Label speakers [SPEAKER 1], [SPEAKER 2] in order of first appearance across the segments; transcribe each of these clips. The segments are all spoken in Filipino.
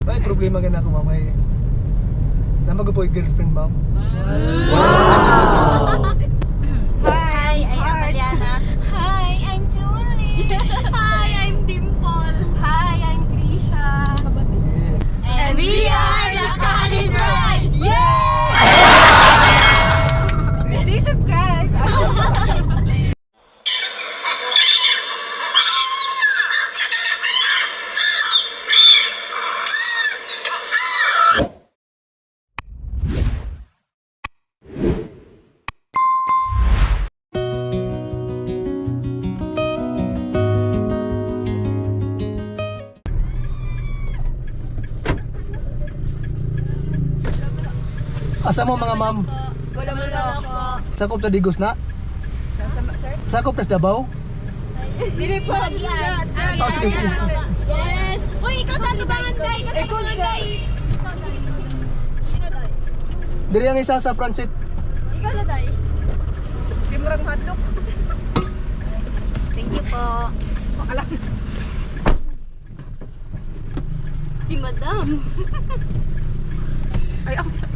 [SPEAKER 1] May problema ka na ako, ma'am. May namag po yung girlfriend, ma'am.
[SPEAKER 2] Hi, I'm Mariana.
[SPEAKER 3] Hi, I'm Julie.
[SPEAKER 2] Hi, I'm Dimple. Hi, I'm Krisha.
[SPEAKER 1] Yes.
[SPEAKER 2] And we are the Kanin Ride! Yay! Please subscribe.
[SPEAKER 1] Asa mo mga ma'am?
[SPEAKER 2] Wala mo na ako.
[SPEAKER 1] Sakop ta Digos na?
[SPEAKER 2] Sir?
[SPEAKER 1] Sakop ta Davao?
[SPEAKER 2] Dili po.
[SPEAKER 1] Oh, sige, sige.
[SPEAKER 2] Yes! Uy, ikaw sa libangan, Day! Ikaw sa Day!
[SPEAKER 1] Diri ang isa sa front seat.
[SPEAKER 2] Ikaw na, Day! Kimrang hotdog.
[SPEAKER 3] Thank you po.
[SPEAKER 2] Alam. Si Madam. Ay, ako sa...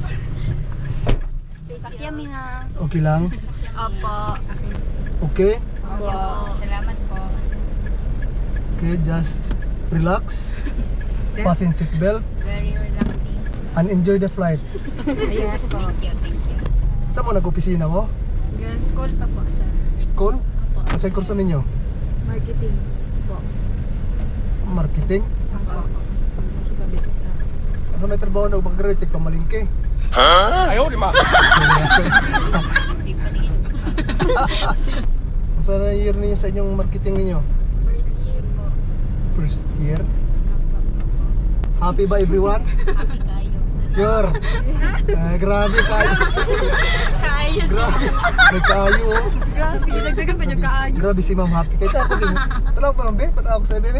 [SPEAKER 3] Sakya mi nga.
[SPEAKER 1] Okay lang?
[SPEAKER 3] Opo.
[SPEAKER 1] Okay?
[SPEAKER 3] Opo. Salamat po.
[SPEAKER 1] Okay, just relax. Fasten seat belt
[SPEAKER 3] Very relaxing.
[SPEAKER 1] and enjoy the flight.
[SPEAKER 3] Yes po. Thank you.
[SPEAKER 1] Saan mo nag-opisina mo?
[SPEAKER 3] School pa po, sir.
[SPEAKER 1] School?
[SPEAKER 3] Opo.
[SPEAKER 1] Sa kurso ninyo?
[SPEAKER 3] Marketing po.
[SPEAKER 1] Marketing?
[SPEAKER 3] Opo. Chica business na.
[SPEAKER 1] Sa may trabaho na pag-graduate, pamalingke.
[SPEAKER 4] Ayaw, di ma.
[SPEAKER 3] Safe pa din.
[SPEAKER 1] Saan na year ninyo sa inyong marketing ninyo?
[SPEAKER 3] First year po.
[SPEAKER 1] First year?
[SPEAKER 3] Opo.
[SPEAKER 1] Happy ba everyone?
[SPEAKER 3] Happy kayo.
[SPEAKER 1] Sure. Grabe kayo.
[SPEAKER 2] Kaya.
[SPEAKER 1] Grabe. May kayo oh.
[SPEAKER 2] Grabe, dagdagan pa yung kaayo.
[SPEAKER 1] Grabe si Ma'am Happy. Kaya ako si Tanaw pa ng bed. Tanaw ako sa bebe.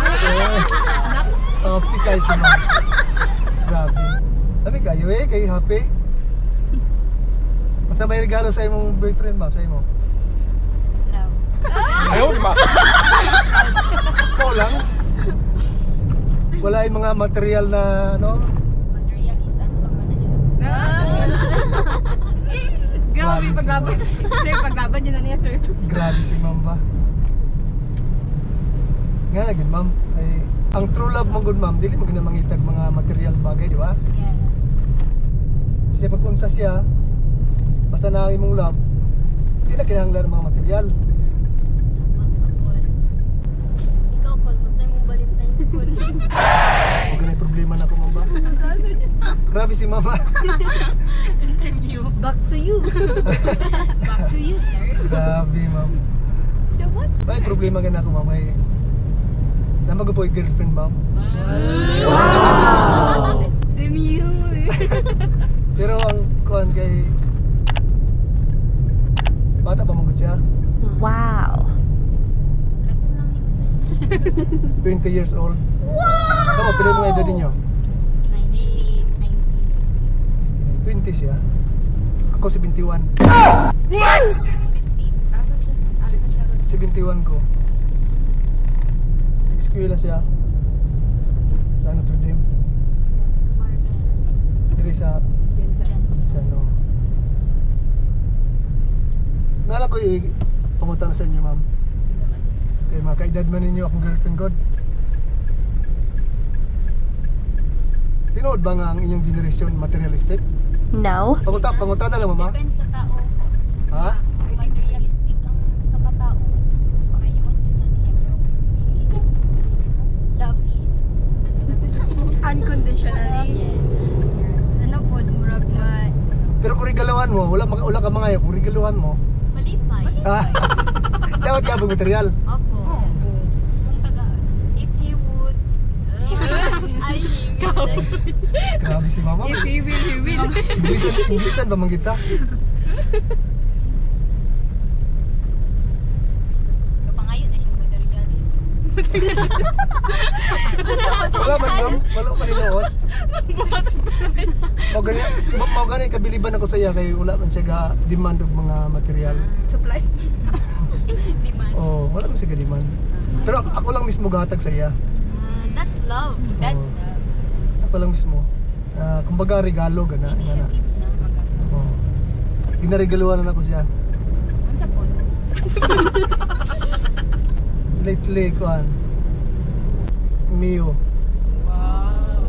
[SPEAKER 1] Happy kayo si Ma'am. Grabe. Sabi kayo eh. Kayo happy. Basta may regalo sa imong boyfriend ba? Sa imo?
[SPEAKER 3] Love.
[SPEAKER 4] Ayaw, di ma.
[SPEAKER 1] Ikaw lang. Wala yung mga material na ano.
[SPEAKER 3] Material is ano pa man na siya.
[SPEAKER 2] Grabe, paglaban. Sir, paglaban yun na niya, sir.
[SPEAKER 1] Grabe si Ma'am ba? Nga lagi Ma'am. Ay, ang true love mong good Ma'am, dili mo ginamangitag mga material bagay, di ba?
[SPEAKER 3] Yes.
[SPEAKER 1] Kasi pag unsa siya, basta na ang imong love, hindi na kinahanglan ng mga material.
[SPEAKER 3] Ikaw, Paul, basta yung Valentine's Paul.
[SPEAKER 1] Huwag na problema na ko Ma'am ba? Grabe si Mama.
[SPEAKER 3] Interview. Back to you. Back to you, sir.
[SPEAKER 1] Grabe Ma'am.
[SPEAKER 2] So what?
[SPEAKER 1] May problema ka na ako Ma'am. May namag po yung girlfriend Ma'am.
[SPEAKER 2] Demi
[SPEAKER 1] Pero ang kuhan kay bata pa mong siya.
[SPEAKER 3] Wow.
[SPEAKER 1] 20 years old. Wow! Kamu, pili mo nga edad ninyo? 20 siya. Ako 71.
[SPEAKER 2] Asa siya?
[SPEAKER 1] Si, 71 ko. Eskwela siya. Sa Notre Dame. Diri sa ano. Nala ko pangutan sa inyo ma'am. Kaya mga kaedad man ninyo akong girlfriend god. Tinood ba nga ang inyong generation materialistic?
[SPEAKER 5] No.
[SPEAKER 1] Pangutan na lang mama.
[SPEAKER 3] Depends sa tao.
[SPEAKER 1] Ha?
[SPEAKER 3] Kung materialistic ang sa katao, pangayon dyan na niya. Pero love is
[SPEAKER 2] Unconditionally.
[SPEAKER 3] yes.
[SPEAKER 2] Ano po, murag mas...
[SPEAKER 1] Pero kung regaluhan mo, wala ka mga kung regaluhan mo.
[SPEAKER 3] Malipay.
[SPEAKER 1] Ha? Dapat ka ba material?
[SPEAKER 3] Opo. Kung taga, if he would, I will.
[SPEAKER 1] Grabe si mama.
[SPEAKER 2] If he will, he will.
[SPEAKER 1] Inglesan ba man kita?
[SPEAKER 3] Pangayon na siyang materialist.
[SPEAKER 1] Wala man ma'am. Wala man nilawat. Mau gani kabiliban ako sa iya kay wala man siya ga demand og mga material.
[SPEAKER 2] Supply.
[SPEAKER 3] Demand.
[SPEAKER 1] Oh, wala man siya ga demand. Pero ako lang mismo gatag sa iya.
[SPEAKER 3] That's love. That's
[SPEAKER 1] Oo.
[SPEAKER 3] love.
[SPEAKER 1] pa lang mismo. Kumbaga regalo gana
[SPEAKER 3] Hindi siya
[SPEAKER 1] na.
[SPEAKER 3] gift na maganda.
[SPEAKER 1] Oh. Ginaregaluhan na ako siya.
[SPEAKER 3] Unsa po?
[SPEAKER 1] Lately kuan. Mio.
[SPEAKER 2] Wow.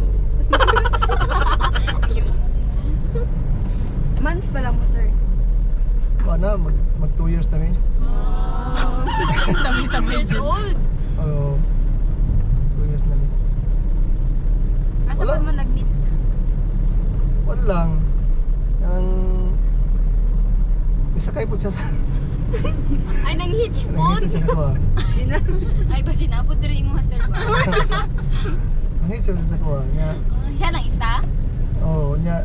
[SPEAKER 5] Months pa lang mo, sir.
[SPEAKER 1] Kuan na mag 2 years na rin.
[SPEAKER 2] Sabi-sabi dyan.
[SPEAKER 3] Old.
[SPEAKER 1] Oh. 2 years na rin.
[SPEAKER 3] Asa
[SPEAKER 1] Wala.
[SPEAKER 3] pa mo nag-meet, sir?
[SPEAKER 1] Wala lang. Ang isakay po siya sa
[SPEAKER 2] Ay, nang hitch
[SPEAKER 1] nanghisod siya sa kuha.
[SPEAKER 3] Ay, ba sinabot rin mo, sir ba?
[SPEAKER 1] Nanghisod siya sa kuha. Nya,
[SPEAKER 3] Siya lang isa?
[SPEAKER 1] oh, nya.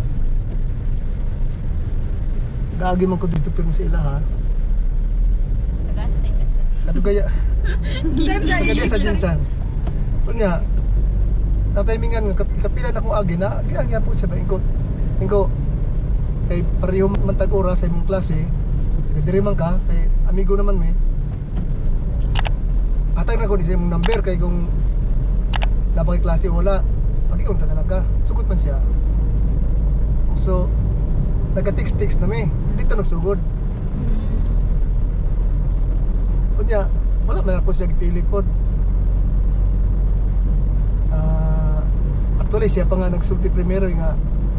[SPEAKER 1] Gaagi man ko dito pero sa ila ha.
[SPEAKER 3] Tagasa tayo siya, sir.
[SPEAKER 1] Kadugaya. Kadugaya sa Jinsan. Kunya, natimingan kapila na kong agi na, giangya po siya ba ingko kay pareho man tag oras sa imong klase. Diri man ka kay amigo naman may. Atay na ko di sa imong number kay kung napaki klase wala. Pag-iunta na lang ka. Sugod man siya. So nagka-text na may. Dito nagsugod. Kunya, wala man ako siya gipilit pod. Actually siya pa nga nagsulti primero nga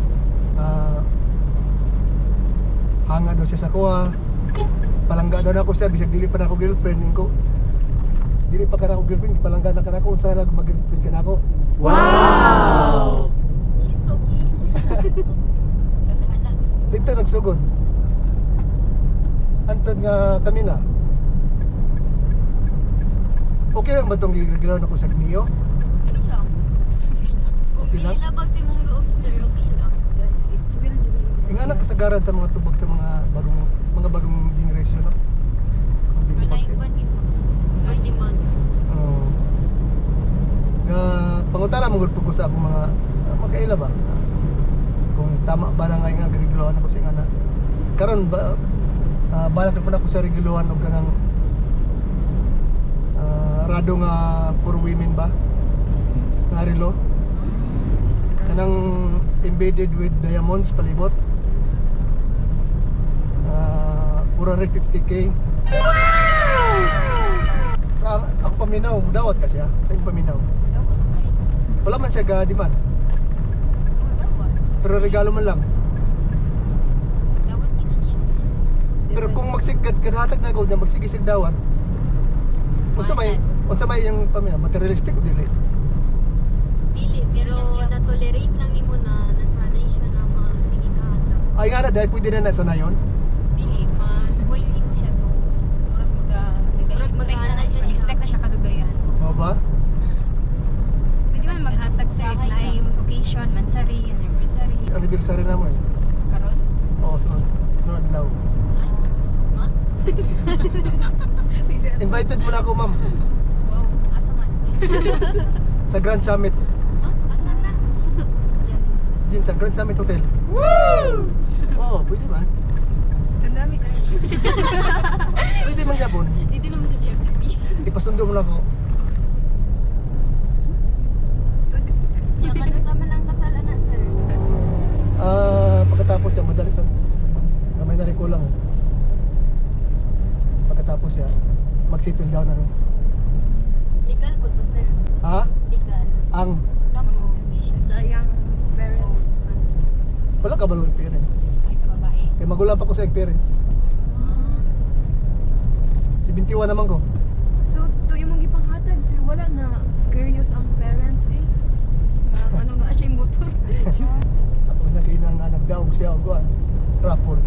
[SPEAKER 1] hanga daw siya sa kuha. Palangga daw na ako siya bisag dili pa na ako girlfriend ko. Dili pa ka na ako girlfriend, palangga na ka na ako unsa na mag-girlfriend ka na ako.
[SPEAKER 4] Wow!
[SPEAKER 3] Gagana.
[SPEAKER 1] Dito nagsugod. Antod nga kami na. Okay lang ba itong gigalaw na ko sa Mio?
[SPEAKER 3] Okay lang.
[SPEAKER 1] Okay lang?
[SPEAKER 2] Labag si mong loob, sir. Okay lang.
[SPEAKER 1] Yung anak kasagaran sa mga tubag sa mga bagong generation, no? Ang
[SPEAKER 3] Pero
[SPEAKER 1] binibag siya.
[SPEAKER 3] naiuban gito.
[SPEAKER 2] Ay, di man.
[SPEAKER 1] Oo. Nga pangutana mo gud ko sa akong mga magkaila ba? Kung tama ba na nga reguluhan ako sa ingana. Karon ba balak na ako sa reguluhan og kanang rado nga for women ba? Nga relo. Kanang embedded with diamonds palibot. 450k. Sa ako paminaw, dawat ka siya. Sa iyong paminaw.
[SPEAKER 3] Dawat ay.
[SPEAKER 1] Wala man siya ga-demand.
[SPEAKER 3] Dawat.
[SPEAKER 1] Pero regalo man lang.
[SPEAKER 3] Dawat kita niya, sir.
[SPEAKER 1] Pero kung magsigad kadhatag na ko na magsigisig dawat. Unsa may yung paminaw, materialistic o dili?
[SPEAKER 2] Dili, pero na-tolerate lang ni mo na nasanay siya na sige kahata.
[SPEAKER 1] Ay nga na dahil pwede na nasa na yun.
[SPEAKER 3] Dili, mas spoil ni mo siya. So, murag
[SPEAKER 2] Murag mag-aanay siya.
[SPEAKER 5] Expect na siya kadugayan.
[SPEAKER 1] Oo ba?
[SPEAKER 5] Pwede man maghatag, sir, if na ay occasion, mansari, anniversary.
[SPEAKER 1] Anniversary na mo eh.
[SPEAKER 3] Karon?
[SPEAKER 1] Oo, sunod law. Invited mo na ako ma'am
[SPEAKER 3] Wow, asa man?
[SPEAKER 1] sa Grand Summit.
[SPEAKER 3] Asa na?
[SPEAKER 1] Jin, sa Grand Summit Hotel. Woo! Oo, pwede man.
[SPEAKER 5] Ang dami, sir.
[SPEAKER 1] Pwede man yapon.
[SPEAKER 3] Dito naman sa GFTV.
[SPEAKER 1] Ipasundo mo na ako.
[SPEAKER 2] Yan ka na sa manang kasalan na, sir.
[SPEAKER 1] Pagkatapos siya, madali sa kamay na rin ko lang. Pagkatapos siya, mag-settle down na rin.
[SPEAKER 2] Legal po to, sir.
[SPEAKER 1] Ha?
[SPEAKER 2] Legal.
[SPEAKER 1] Ang
[SPEAKER 5] Sa iyang parents.
[SPEAKER 1] wala ka ba ng parents?
[SPEAKER 3] Ay, sa babae.
[SPEAKER 1] Kaya magulang pa ko sa iyong parents. Si 21 naman ko.
[SPEAKER 5] So, to yung mga ipanghatag, sir, wala na curious ang parents, eh. Ano na siya yung motor.
[SPEAKER 1] Ako na kainan nga nagdaog siya o kuhan. Raffle.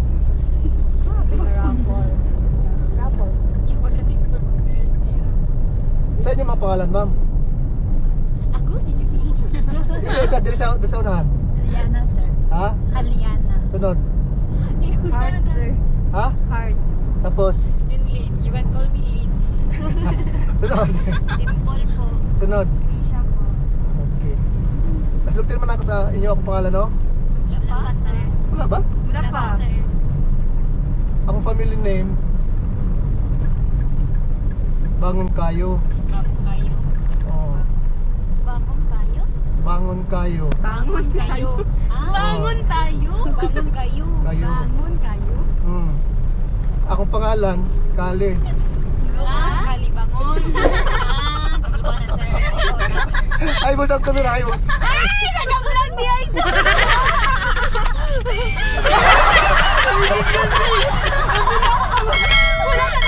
[SPEAKER 5] Raffle. Raffle.
[SPEAKER 3] Yung wala din for mga parents niya.
[SPEAKER 1] Sa inyo mga pangalan, ma'am?
[SPEAKER 3] Ako si Judy.
[SPEAKER 1] Isa-isa, diri sa unahan.
[SPEAKER 5] Aliana, sir.
[SPEAKER 1] Ha?
[SPEAKER 5] Aliana.
[SPEAKER 1] Sunod.
[SPEAKER 5] Heart, sir.
[SPEAKER 1] Ha?
[SPEAKER 5] Heart.
[SPEAKER 1] Tapos,
[SPEAKER 3] Junlin. You can call me Lin.
[SPEAKER 1] sunod.
[SPEAKER 3] Dimple po.
[SPEAKER 1] Sunod.
[SPEAKER 3] Risha po.
[SPEAKER 1] Okay. Nasulti naman ako sa inyo akong pangalan, no?
[SPEAKER 3] Wala pa, sir.
[SPEAKER 1] Wala ba?
[SPEAKER 5] Wala pa.
[SPEAKER 3] sir.
[SPEAKER 1] Akong family name, Bangon Kayo.
[SPEAKER 3] Bagong kayo.
[SPEAKER 1] Oh.
[SPEAKER 2] Bagong kayo?
[SPEAKER 1] Bangon kayo.
[SPEAKER 5] Bangon kayo.
[SPEAKER 2] Bangon tayo.
[SPEAKER 3] Bangon kayo.
[SPEAKER 1] Kayo.
[SPEAKER 5] Bangon kayo.
[SPEAKER 1] Hmm. Akong pangalan, Kali.
[SPEAKER 3] Kalibangon. Sige pa na, sir.
[SPEAKER 1] Ay, boss, ang kamera. Ay, boss.
[SPEAKER 5] Naka-vlog niya ito. Wala ka